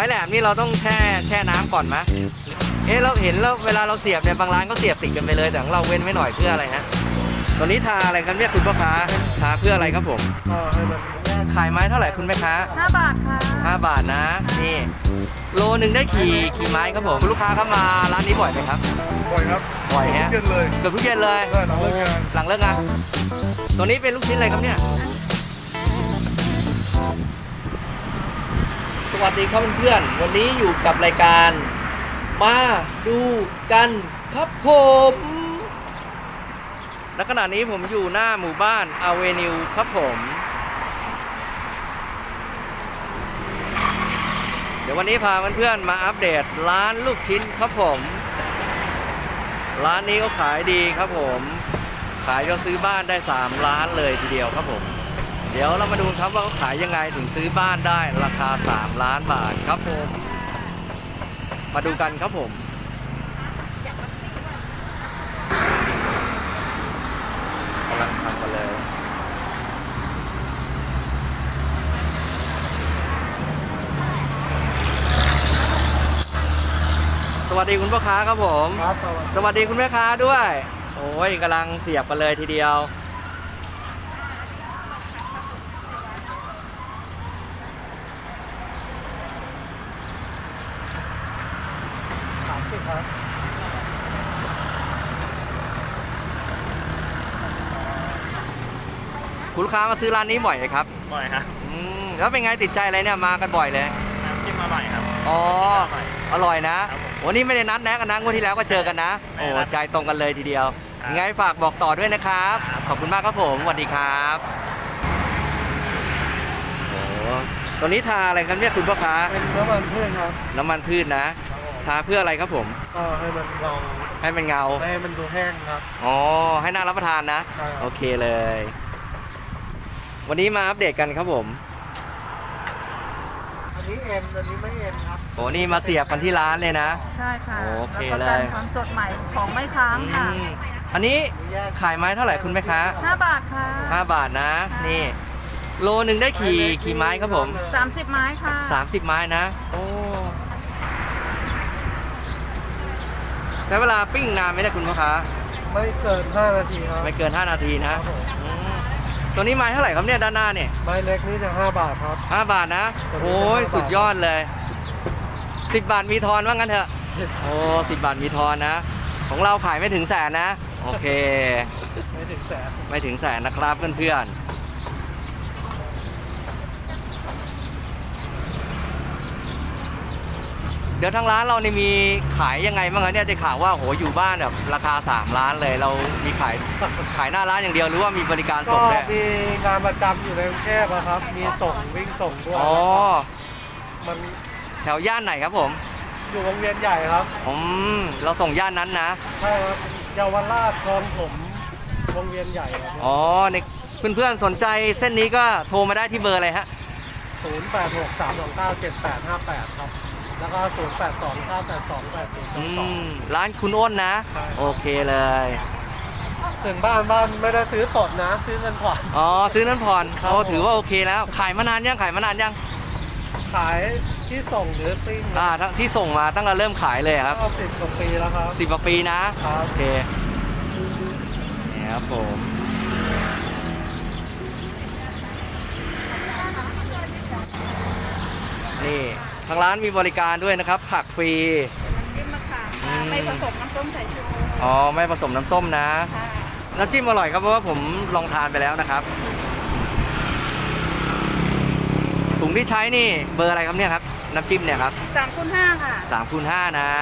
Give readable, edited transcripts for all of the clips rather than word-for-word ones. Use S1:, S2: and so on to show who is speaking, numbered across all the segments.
S1: ม้แหลมนี่เราต้องแช่น้ำก่อนไหมเราเห็นแล้วเวลาเราเสียบเนี่ยบางร้านก็เสียบติดกันไปเลยแต่ของเราเว้นไว้หน่อยเพื่ออะไรฮะตัวนี้ทาอะไรครับเนี่ยคุณพ่อค้าทาเพื่ออะไรครับผม
S2: ให้มัน
S1: ขายไม้เท่าไหร่คุณแม่ค้า
S3: 5 บาทค่ะ
S1: 5 บาทนะนี่โลนึงได้กี่ไม้ครับผมลูกค้าเข้ามาร้านนี้บ่อยไหมครับ
S2: บ่อยครับ
S1: บ่อยฮะ
S2: เย็นเลย
S1: เกือบทุกเย็นเลยหลังเลิกงานตัวนี้เป็นลูกชิ้นอะไรครับเนี่ยสวัสดีครับเพื่อนๆวันนี้อยู่กับรายการมาดูกันครับผมณขณะนี้ผมอยู่หน้าหมู่บ้านอเวนิวครับผมเดี๋ยววันนี้พาเพื่อนๆมาอัปเดตร้านลูกชิ้นครับผมร้านนี้ก็ขายดีครับผมขายจนซื้อบ้านได้3 ล้านเลยทีเดียวครับผมเดี๋ยวเรามาดูครับว่าเขาขายยังไงถึงซื้อบ้านได้ราคา3 ล้านบาทครับผมมาดูกันครับผมกำลังทำกันเลยสวัสดีคุณพ่อค้าครับผมสวัสดีคุณแม่ค้าด้วยโอ้ยกำลังเสียบกันเลยทีเดียวคุณลูกค้ามาซื้อร้านนี้บ่อยไหมครับ
S4: บ่อยครับ
S1: แล้วเป็นไงติดใจอะไรเนี่ยมากันบ่อยเลย
S4: น้ำจิ้มอร่อยครับ
S1: อ๋ออร่อยนะวันนี้ไม่ได้นัดแนะกันนะงวดที่แล้วก็เจอกันนะโอ้ใจตรงกันเลยทีเดียวยังไงฝากบอกต่อด้วยนะครับขอบคุณมากครับผมสวัสดีครับโอ้ตัวนี้ทาอะไรครับเนี่ยคุณพ่อค้า
S2: เป็นน้ำมันพืชครับ
S1: น้ำมันพืชนะทาเพื่ออะไรครับผม
S2: ก็ให้มันเงาให้มันดูแห้งครับ
S1: อ๋อให้น่ารับประทานนะโอเคเลยวันนี้มาอัปเดตกันครับผม
S2: อันนี้เอ็นอันนี้ไม่เอ็นครับ
S1: โอ้นี่มาเสียบกันที่ร้านเลยนะ
S3: ใช่ค่ะ
S1: โอเคเลย
S3: ความสดใหม่ของไม่ค้างค่ะ
S1: อันนี้ขายไม้เท่าไหร่คุณแม่ค้า
S3: 5 บาทค่ะ
S1: 5 บาทนะนี่โลนึงได้กี่ไม้ครับผม
S3: 30 ไม้ค่ะ
S1: 30 ไม้นะโอ้ใช้เวลาปิ้งนานไหมเนี่ยคุณพ่อค้า
S2: ไม่เกิน5 นาทีครับ
S1: ไม่เกิน5 นาทีนะตัวนี้ไม้เท่าไหร่ครับเนี่ยด้านหน้าเนี่ย
S2: ไม้เล็กนี่จะ5 บาทครับ
S1: 5 บาทนะโอ้ยสุดยอดเลย10 บาทมีทอนว่างั้นเถอะโอ้10 บาทมีทอนนะของเราขายไม่ถึงแสนนะโอเค
S2: ไม่ถึง
S1: แสนนะครับเพื่อนๆเดี๋ยวทางร้านเรานี่มีขายยังไงบ้างคะเนี่ยได้ข่าวว่าโหอยู่บ้านแบบราคา3 ล้านเลยเรามีขายหน้าร้านอย่างเดียวหรือว่ามีบริการส่งด้วย
S2: มีงานประจำอยู่ในกรุงเทพครับมีส่งวิ่งส่งด้วย
S1: อ๋อ
S2: มัน
S1: แถวย่านไหนครับผม
S2: อยู่วงเวียนใหญ่ครับ
S1: เราส่งย่านนั้นนะ
S2: ใช่ครับเยาวราชคลองผมวงเวียนใหญ่ครับ
S1: อ๋อในเพื่อนๆสนใจเส้นนี้ก็โทรมาได้ที่เบอร์อะไรฮะ
S2: 0863297858ครับแล้วก็0829828022
S1: ร้านคุณอ้นนะโอเคเลย
S2: ถึงบ้านไม่ได้ซื้อสดนะซื้อเงินผ่อน
S1: อ๋อซื้อเงินผ่อนโอ้ถือว่าโอเคแล้วขายมานานยังขาย
S2: ขายที่ส่งหรือปิ้ง
S1: ที่ส่งมาตั้งแต่เริ่มขายเลยครับ
S2: ก็10 กว่าปีแล้วครับ
S1: 10 กว่าปีนะโอเคนี่ครับผมนี่ทางร้านมีบริการด้วยนะครับผักฟรี
S3: ไม่ผสมน้ำส้มสายชู
S1: อ๋อไม่ผสมน้ำส้มนะน้ำจิ้มอร่อยครับเพราะว่าผมลองทานไปแล้วนะครับถุงที่ใช้นี่เบอร์อะไรครับเนี่ยครับน้ำจิ้มเนี่ยครับ
S3: 3x5ค่ะ
S1: 3x5นะ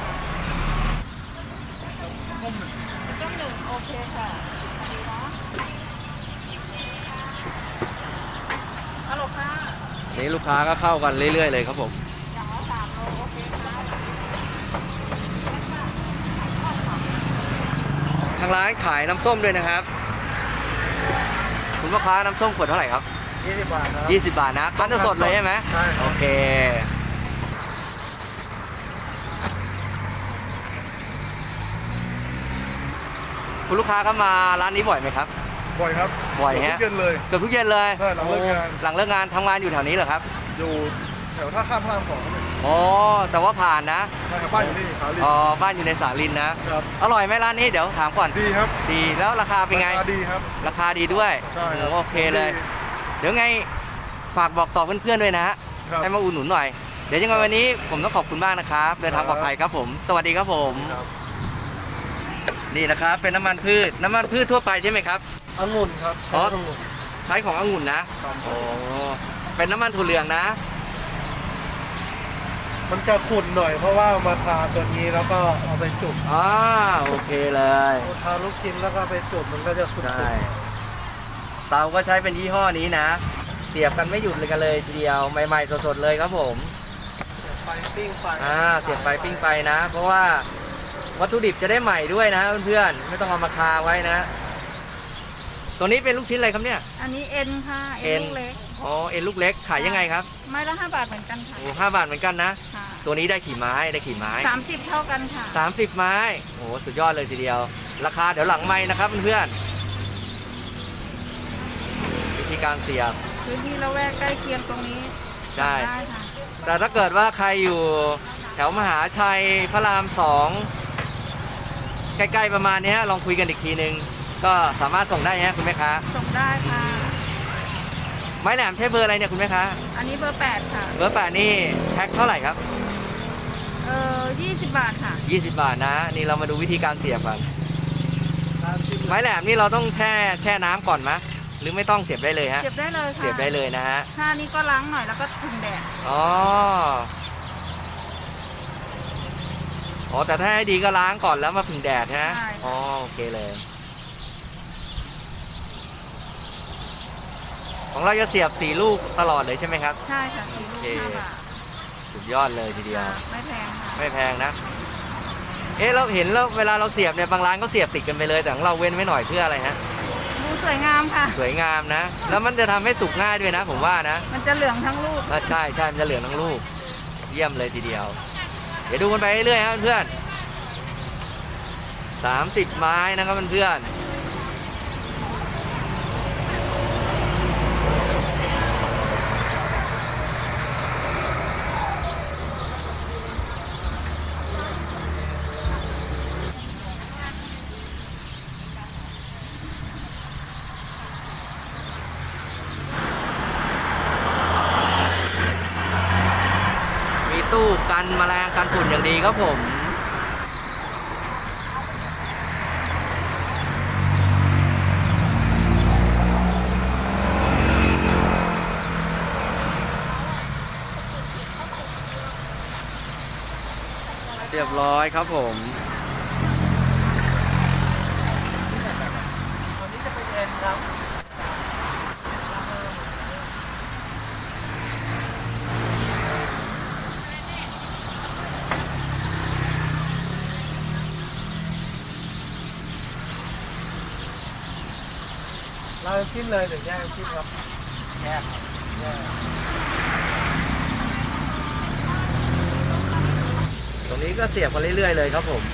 S3: ต้มหนึ่งโอเคค่ะดีเนาะฮัลโหลค่ะ
S1: นี่ลูกค้าก็เข้ากันเรื่อยๆเลยครับผม
S3: อย่างละ3 โลโอเคค่ะ
S1: ทางร้านขายน้ำส้มด้วยนะครับคุณลูกค้าน้ำส้มขวดเท่าไหร่ครับ
S2: 20 บาทครับ
S1: 20 บาทนะคั้นสดเลยใช่ไหม
S2: ใช่
S1: โอเคคุณลูกค้าก็มาร้านนี้บ่อยไหมครับ
S2: บ่อยครับ
S1: บ่อยฮะ
S2: เกือบทุกเย็นเลย
S1: เกือบทุกเย็นเลย
S2: หลังเลิกงาน
S1: ทำงานอยู่แถวนี้เหรอครับ
S2: อยู่แถวท่าข้ามพระราม2ครับ
S1: อ๋อแต่ว่าผ่านนะ
S2: ใช่ครับบ้านอยู่นี่ขาลิน
S1: อ๋อบ้านอยู่ในสาลินนะครับ อร่อยไหมร้านนี้เดี๋ยวถามก่อน
S2: ดีครับ
S1: ดีแล้วราคาเป็นไง
S2: ราคาดีครับ
S1: ราคาดีด้วย
S2: ใช่ครับ
S1: โอเคเลย เดี๋ยวไงฝากบอกต่อเพื่อนๆด้วยนะฮะ
S2: ครับ
S1: ให้มาอุดหนุนหน่อย เดี๋ยวยังไงวันนี้ผมต้องขอบคุณมากนะครับ เดินทางปลอดภัยครับผม สวัสดีครับผม
S2: ครับ
S1: นี่นะครับเป็นน้ำมันพืชทั่วไปใช่ไหมครับ
S2: องุ่นครับ
S1: อ๋อ
S2: องุ่น
S1: ใช้ขององุ่นนะครับ โอ้เป็นน้ำมันถั่วเหลืองนะ
S2: มันจะขุ่นหน่อยเพราะว่ามาทาตัวนี้แล้วก็เอาไปจุ่ม
S1: อ่าโอเคเลย
S2: เอาทาลูกชิ้นแล้วก็ไปจุ่มมันก็จะขุ่น
S1: ใช่เตาก็ใช้เป็นยี่ห้อนี้นะ เสียบกันไม่หยุดเลยกันเลยทีเดียวใหม่ๆสดๆเลยครับผม
S2: ไฟปิ้งไฟ
S1: เสียบไปปิ้งไปนะ เพราะว่าวัตถุดิบจะได้ใหม่ด้วยนะเพื่อนๆไม่ต้องเอามาคาไว้นะ ตัวนี้เป็นลูกชิ้นอะไรครับเนี่ย
S3: อันนี้เอ็นค่ะ เอ็นลูกเล็ก
S1: อ๋อเอ็นลูกเล็กขายยังไงครับ
S3: ไม้ละ5 บาทเหมือนกันค่ะ
S1: โอ้5 บาทเหมือนกันนะ
S3: ค่ะ
S1: ตัวนี้ได้กี่ไม้ได้กี่ไม้
S3: 30 เท่ากันค่ะ
S1: 30 ไม้โอ้สุดยอดเลยทีเดียว ราคาเดี๋ยวหลังไม้นะครับเพื่อนๆวิธีการเสียบ
S3: พื้นที่ละแวกใกล้เคียงตรงนี้
S1: ใช่
S3: ได้ค่ะ
S1: แต่ถ้าเกิดว่าใครอยู่แถวมหาชัยพระราม2ใกล้ๆประมาณนี้ฮะลองคุยกันอีกทีนึง ก็สามารถส่งได้ฮะคุณแม่ค้า
S3: ส่งได้ค่ะ
S1: ไม้แหลมใช้เบอร์อะไรเนี่ยคุณแม่ค้า
S3: อันนี้เบอร์ 8 ค่ะ
S1: เบอร์8นี่แพ็คเท่าไหร่ครับ
S3: 20 บาทค่ะ
S1: 20 บาทนะ นี่เรามาดูวิธีการเสียบกัน
S2: ทาจิ้ม
S1: ไม้แหลมนี่เราต้องแช่น้ำก่อนไหมหรือไม่ต้องเสียบได้เลยฮะ
S3: เสียบได้เลยค่ะ
S1: เสียบได้เลยนะฮะ
S3: ถ้านี้ก็ล้างหน่อยแล้วก็ถึงแดด
S1: อ๋อแต่ถ้าให้ดีก็ล้างก่อนแล้วมาผึ่งแดดฮะอ๋อโอเคเลย ของเราจะเสียบ4 ลูกตลอดเลยใช่ไหมครับ
S3: ใช่ค่ะ4 ลูก
S1: โอเค
S3: 5 บาท
S1: สุดยอดเลยทีเดียว
S3: ค่ะไม่แพงค่ะ
S1: ไม่แพงนะ เราเห็นแล้วเวลาเราเสียบเนี่ยบางร้านก็เสียบติดกันไปเลยแต่ของเราเว้นไว้หน่อยเพื่ออะไรฮะ
S3: ดูสวยงามค่ะ
S1: สวยงามนะ แล้วมันจะทำให้สุกง่ายด้วยนะ ผมว่านะ
S3: มันจะเหลืองทั้งลูก
S1: ใช่มันจะเหลืองทั้งลูก เยี่ยมเลยทีเดียว เดี๋ยวดูกันไปเรื่อยๆครับเพื่อน30 ไม้นะครับเพื่อนมีตู้กันแมลงกันฝุ่นอย่างดีครับผม เรียบร้อยครับผม
S2: ตัวนี้จะเป็นเอ็นครับเราจิ้มเลยหรือแยกจิ้มครับแยกแยก
S1: ตรงนี้ก็เสียบมาเรื่อยๆเลยครับผม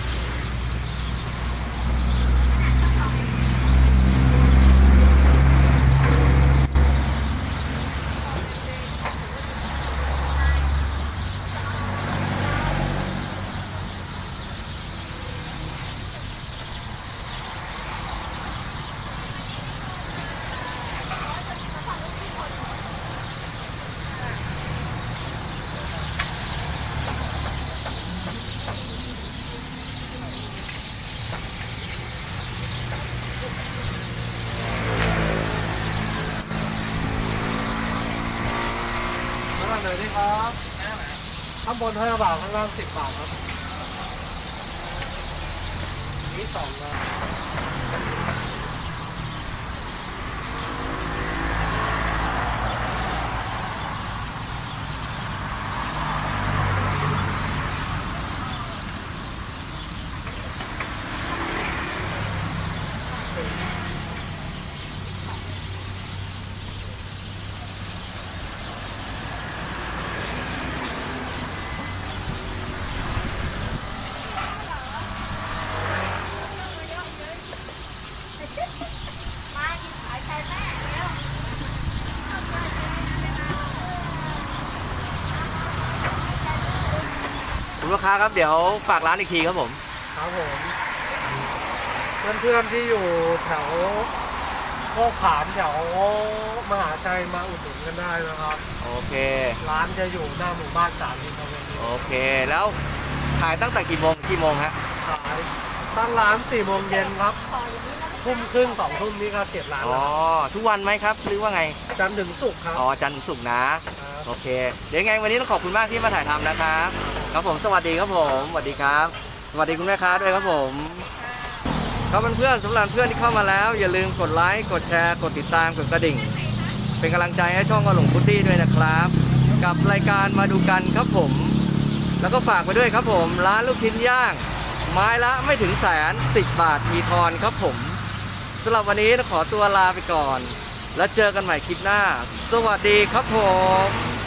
S2: ข้างล่างเลยนี่ครับข้างบน5 บาทข้างล่าง10 บาทครับนี่2นะ
S1: คุณลูกค้าครับเดี๋ยวฝากร้านอีกทีครับผม
S2: ครับผมเพื่อนๆที่อยู่แถวโคกขามแถวมหาชัยมาอุดหนุนกันได้นะครับ
S1: โอเค
S2: ร้านจะอยู่หน้าหมู่บ้านสามอินทร์เวนิว
S1: โอเคแล้วขายตั้งแต่กี่โมงฮะ
S2: ขายตั้งร้าน4 โมงเย็นครับทุ่มครึ่ง2 ทุ่มนี่ก็เก็บร้าน
S1: อ๋อ
S2: แล้ว
S1: ทุกวันไหมครับหรือว่าไง
S2: จันทร์ถึงศุกร์ครับ
S1: อ๋อจันทร์ถึงศุกร์นะ
S2: ครับ
S1: โอเค เดี๋ยวยังไงวันนี้ต้องขอบคุณมากที่มาถ่ายทำนะครับ ครับผมสวัสดีครับผมสวัสดีครับ สวัสดีคุณแม่ค้าด้วยครับผมครับเพื่อนๆสำหรับเพื่อนที่เข้ามาแล้ว อย่าลืมกดไลค์กดแชร์กดติดตามกดกระดิ่ง เป็นกำลังใจให้ช่องกระหลงพุตตี้ด้วยนะครับ กับรายการมาดูกันครับผม แล้วก็ฝากไปด้วยครับผมร้านลูกชิ้นย่าง ไม้ละไม่ถึงแสน10 บาทมีทอนครับผมสำหรับวันนี้ขอตัวลาไปก่อน แล้วเจอกันใหม่คลิปหน้า สวัสดีครับผม